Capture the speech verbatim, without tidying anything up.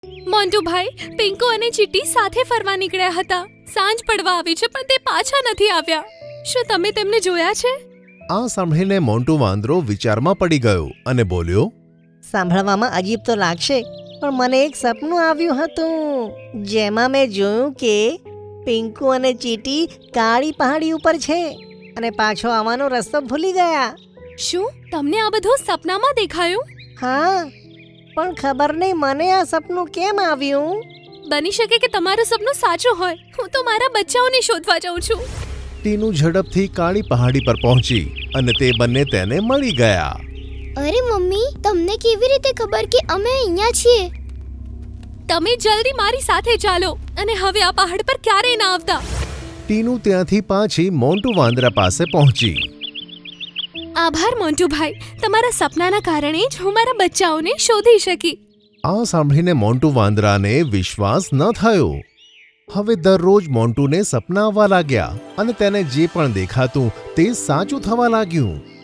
મોન્ટુભાઈ, પિંકુ અને ચીટી સાથે ફરવા નીકળ્યા હતા. સાંજ પડવા આવી છે પણ તે પાછા નથી આવ્યા. શું તમે તેમને જોયા છે? આ સાંભળીને મોન્ટુ વાંદરો વિચારમાં પડી ગયો અને બોલ્યો, સાંભળવામાં અજીબ તો લાગશે, પણ મને એક સપનું આવ્યું હતું જેમાં મેં જોયું કે પિંકુ અને ચીટી કાળી પહાડી ઉપર છે અને પાછો આવવાનો રસ્તો ભૂલી ગયા. શું તમને આ બધું સપનામાં દેખાયું? હા, પણ ખબર નહીં મને આ સપનું કેમ આવ્યું. બની શકે કે તમારું સપનું સાચું હોય. હું તો મારા બચ્ચાઓને શોધવા જાઉં છું. ટીનુ ઝડપથી કાળી પહાડી પર પહોંચી અને તે બંને તેને મળી ગયા. અરે મમ્મી, તમને કેવી રીતે ખબર કે અમે અહીંયા છીએ? તમે જલ્દી મારી સાથે ચાલો અને હવે આ પહાડ પર ક્યારેય ના આવતા. ટીનુ ત્યાંથી પાછી મોન્ટુ વાંદરા પાસે પહોંચી. આભાર મોન્ટુભાઈ, તમારા સપનાના કારણે જ હું મારા બચ્ચાઓને શોધી શકી. આ સાંભળીને મોન્ટુ વાંદરાને વિશ્વાસ ન થયો. હવે દરરોજ મોન્ટુને સપના આવવા લાગ્યા અને તેને જે પણ દેખાતું તે સાચું થવા લાગ્યું.